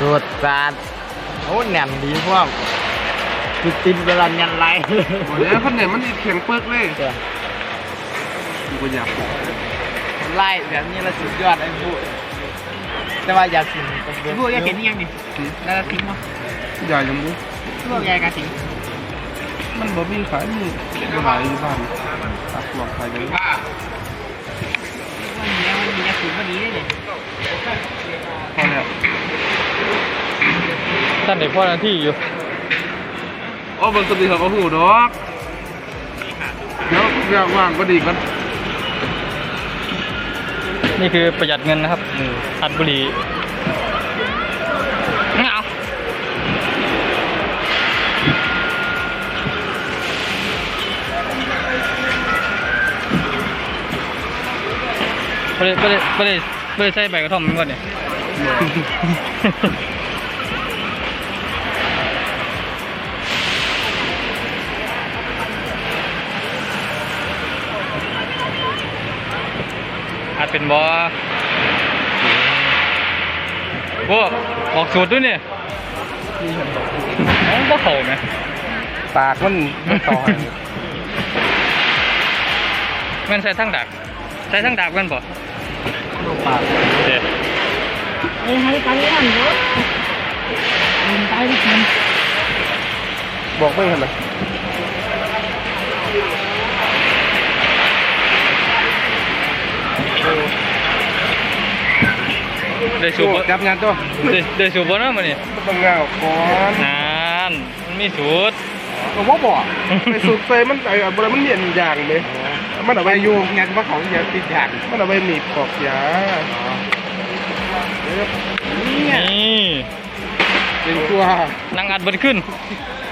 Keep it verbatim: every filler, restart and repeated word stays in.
สูตรจานโอ้แหนมดีพวกติดติดเวลายันไรโอ้ยคนเนี่ยมันแข็งเปิกเลยกูก็อยากไล่แบบนี้ละสุดยอดไอ้ผู้แต่ว่าอยากกินพวกยาเห็นยังนี่แล้วทิ้งมั้งอยากยังบุพวกยากาทิ้งมันบ่มีขายมีขายอยู่บ้านตักหลอกขายเลยวันนี้มันมียาสูบวันนี้เลยพอแล้วท่านเด็กพ่อหน้าที่อยู่อ๋อบางสติเขาก็หูดอกเดี๋ยวอยากว่างก็ดีกันนี่คือประหยัดเงินนะครับอัดบุหรี่ไม่เอาไม่ได้ไม่ได้ไม่ได้ไม่ได้ใช้ใบกระท่อมมันก่อนเนี่ยอาจเป็นบอโว้ออกสูตรด้วยเนี่ยน้องก็เข่าไหมปากมันมันต่อให้แม่นใส่ทั้งดักใส่ทั้งดักแม่นบ่ปากเด็ดเอ้ยให้ไปนั่นเยอะมันไปดิมันบอกไม่เห็นเลยได้สูบบ่จับงานตัวได้ได้สูบบ่เนาะมื้อนี้ต้องงานก่อนนานมันมีสูตรก็ว่าบอกไปสุดเซมันไอ้บริมันเนียนอย่างเลยมันเอาไปยูงานว่าของยาติดอย่างมันเอาไปหนีบปอกยานี่เป็นตัวนั่งอัดเบิดขึ้น